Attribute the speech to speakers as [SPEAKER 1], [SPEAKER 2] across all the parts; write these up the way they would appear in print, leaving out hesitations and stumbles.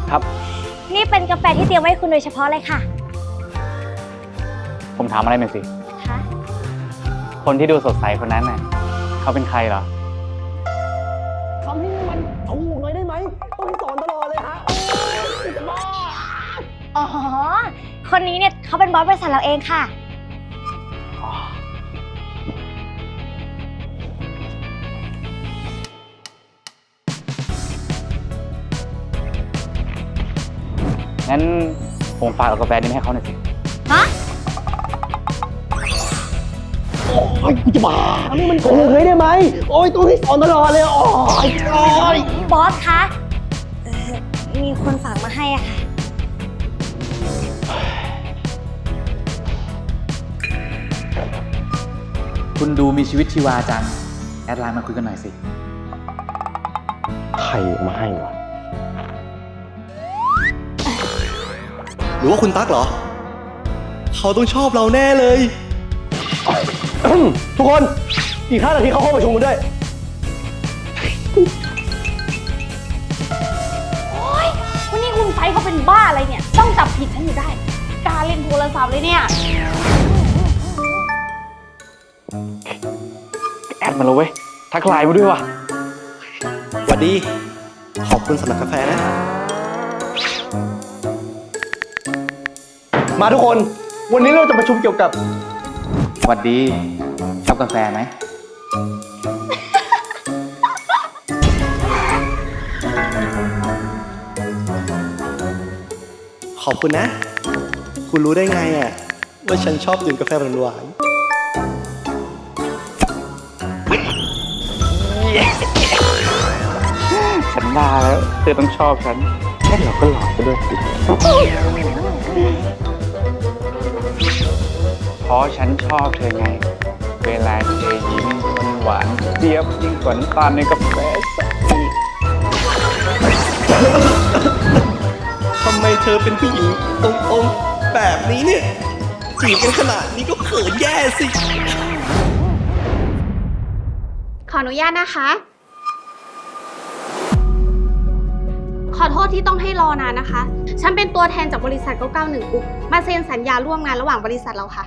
[SPEAKER 1] ครับ
[SPEAKER 2] นี่เป็นกาแฟที่เตรียมไว้ให้คุณโดยเฉพาะเลยค่ะ
[SPEAKER 1] ผมถามอะไรหน่อยสิ
[SPEAKER 2] คะ
[SPEAKER 1] คนที่ดูสดใสคนนั้นน่ะเขาเป็นใครเหรอ
[SPEAKER 3] ทำให้มันถูกหน่อยได้ไหมต้องสอนตลอดเลยฮะจะบ้า
[SPEAKER 2] อ๋อคนนี้เนี่ยเขาเป็นบอสบริษัทเราเองค่ะ
[SPEAKER 1] งั้นผมฝากเอากาแฟนี้ให้เขาหน่อยสิ
[SPEAKER 2] ฮะ
[SPEAKER 3] โอ้ยกูจะบ้าทำให้มันถูกเลยได้ไหมโอ้ยต้องให้สอนตลอดเลยโอ้ย
[SPEAKER 2] บอสคะมีคนฝากมาให้อะค่ะ
[SPEAKER 1] คุณดูมีชีวิตชีวาจังแอดไลน์มาคุยกันหน่อยสิ
[SPEAKER 3] ใครมาให้วะหรือว่าคุณตั๊กเหรอเขาต้องชอบเราแน่เลยทุกคนอีก5 นาทีเขาเข้าประชุมกันด้วย
[SPEAKER 2] โอ๊ยวันนี้คุณไฟเขาเป็นบ้าอะไรเนี่ยต้องจับผิดฉันอยู่ได้กล้าเล่นโทรศัพท์เลยเนี่ย
[SPEAKER 1] แอดมาแล้วเว้ยทักไลน์มาด้วยว่ะ
[SPEAKER 3] สวัสดีขอบคุณสำหรับกาแฟนะมาทุกคนวันนี้เราจะประชุมเกี่ยวกับ
[SPEAKER 1] สวัสดีชอบกาแฟไหม
[SPEAKER 3] ขอบคุณนะ คุณรู้ได้ไงอ่ะว่าฉันชอบดื่มกาแฟหวาน
[SPEAKER 1] ฉันว่าแล้วเธอต้องชอบฉันแค่เราก็หลอกไปด้วยสิเพราะฉันชอบเธอไงเวลาเธอยิ้มหวานเจี๊ยบยิ่งกว่าน้ำตาลในกาแฟสักที
[SPEAKER 3] ทำไมเธอเป็นผู้หญิงตรงๆแบบนี้เนี่ยจีบกันขนาดนี้ก็เขินแย่สิ
[SPEAKER 4] ขออนุญาตนะคะ ขอโทษที่ต้องให้รอนานนะคะ ฉันเป็นตัวแทนจากบริษัท991กรุ๊ปมาเซ็นสัญญาร่วมงานระหว่างบริษัทเราค่ะ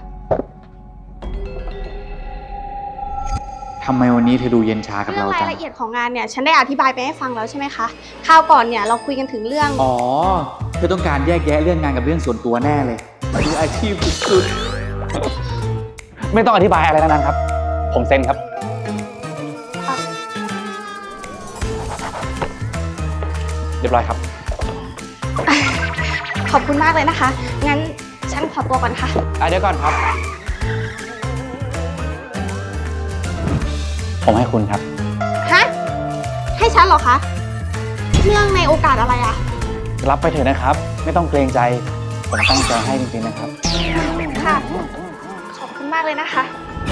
[SPEAKER 1] ทำไมวันนี้เธอดูเย็นชากับ
[SPEAKER 4] เรื่อ
[SPEAKER 1] เรา
[SPEAKER 4] งรา
[SPEAKER 1] จั
[SPEAKER 4] ย
[SPEAKER 1] ง
[SPEAKER 4] ละเอียดของงานเนี่ยฉันได้อธิบายไปให้ฟังแล้วใช่ไหมคะคราวก่อนเนี่ยเราคุยกันถึงเรื่อง
[SPEAKER 1] อ๋อเธอต้องการแยกแยะเรื่องงานกับเรื่องส่วนตัวแน่เลยมืออาชีพสุดๆไม่ต้องอธิบายอะไรทั้งนั้นครับผมเซ็นครับเรียบร้อยครับ
[SPEAKER 4] ขอบคุณมากเลยนะคะงั้นฉันขอตัวก่อนค่ะ
[SPEAKER 1] เดี๋ยวก่อนครับผมให้คุณครับ
[SPEAKER 4] ฮะให้ฉันเหรอคะเรื่องในโอกาสอะไรอะ
[SPEAKER 1] รับไปเถอะนะครับไม่ต้องเกรงใจผมตั้งใจให้จริงๆนะครับ
[SPEAKER 4] ค่ะขอบคุณมากเลยนะคะ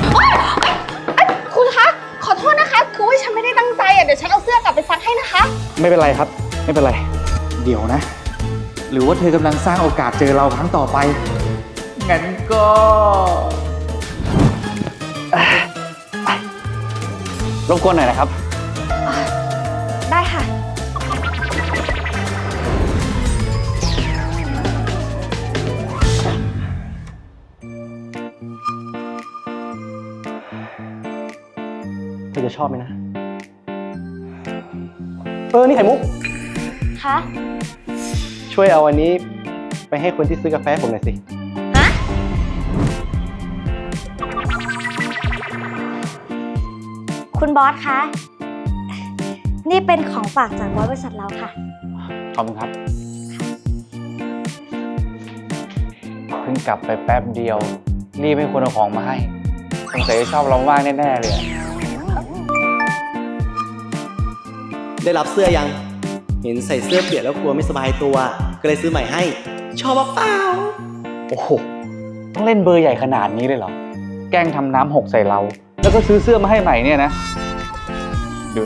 [SPEAKER 4] คุณคะขอโทษนะคะคือว่าฉันไม่ได้ตั้งใจอ่ะเดี๋ยวฉันเอาเสื้อกลับไปซักให้นะคะ
[SPEAKER 1] ไม่เป็นไรครับไม่เป็นไรเดี๋ยวนะหรือว่าเธอกำลังสร้างโอกาสเจอเราครั้งต่อไปงั้นก็รบกวนหน่อยนะครับ
[SPEAKER 4] ได้ค่ะ
[SPEAKER 3] เธอจะชอบไหมนะนี่ไข่มุก
[SPEAKER 2] คะ
[SPEAKER 3] ช่วยเอาอันนี้ไปให้คนที่ซื้อกาแฟผมหน่อยสิ
[SPEAKER 2] ฮะคุณบอสคะนี่เป็นของฝากจากบริษัทเราค่ะ
[SPEAKER 1] ขอบคุณครับเพิ่งกลับไปแป๊บเดียวรีบให้คนเอาของมาให้สงสัยจะชอบเรามากแน่ๆเลย
[SPEAKER 3] ได้รับเสื้อยังเห็นใส่เสื้อเปียกแล้วกลัวไม่สบายตัวก็เลยซื้อใหม่ให้ชอบเปล่า
[SPEAKER 1] โอ้โหต้องเล่นเบอร์ใหญ่ขนาดนี้เลยเหรอแกล้งทำน้ำหกใส่เราแล้วก็ซื้อเสื้อมาให้ใหม่เนี่ยนะดู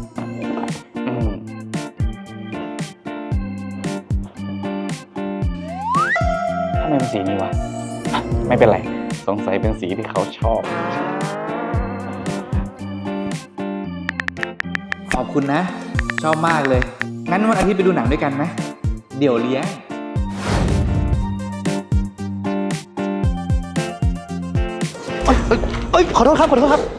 [SPEAKER 1] ทำไมเป็นสีนี้วะไม่เป็นไรสงสัยเป็นสีที่เขาชอบขอบคุณนะชอบมากเลยงั้นวันอาทิตย์ไปดูหนังด้วยกันไหมเดี๋ยวเลี้ยง
[SPEAKER 3] เอ้ยขอโทษครับ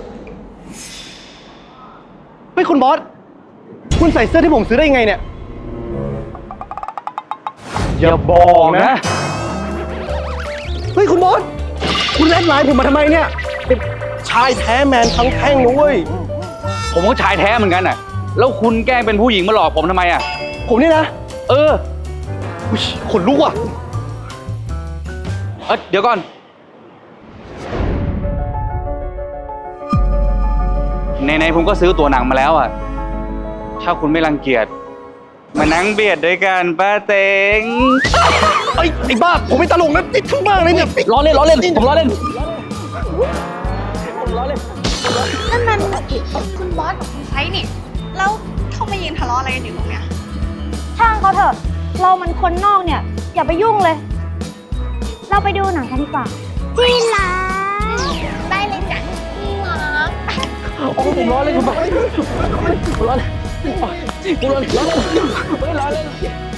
[SPEAKER 3] เฮ้ยคุณบอส คุณใส่เสื้อที่ผมซื้อได้ยังไงเนี่ย
[SPEAKER 1] อย่าบอกนะ
[SPEAKER 3] เฮ้ยคุณบอส คุณแอดไลน์ผมมาทำไมเนี่ยเป็นชายแท้แมนทั้งแท่งนะเว้ย
[SPEAKER 1] ผมก็ชายแท้เหมือนกันน่ะ แล้วคุณแกล้งเป็นผู้หญิงมาหลอกผมทำไมอ่ะ
[SPEAKER 3] ผมนี่นะ
[SPEAKER 1] เออ
[SPEAKER 3] อุ๊ยขนลุกว่ะ
[SPEAKER 1] เดี๋ยวก่อน ในผมก็ซื้อตั๋วหนังมาแล้วอ่ะ ถ้าคุณไม่รังเกียจมานั่งเบียดด้วยกันป้าเต็ง
[SPEAKER 3] ไอ้บ้า ผมไม่ตลกนะติดทั้งบ้านเลยเนี่ย
[SPEAKER 1] ล้อเล่นผมล้อเล่น
[SPEAKER 4] นั่นมันคุณบอสกับคุณไฟนี่ แล้วเขามายืนทะเลาะอะไรกันอยู่ตรงเนี้ย
[SPEAKER 2] ช่างเขาเถอะ เรามันคนนอกเนี่ย อย่าไปยุ่งเลย เราไปดูหนังกันดีกว่าที่รัก
[SPEAKER 4] ได้เลยจ้ะพี่หมอ
[SPEAKER 1] ผมล้อเล่นผมล้อเล่น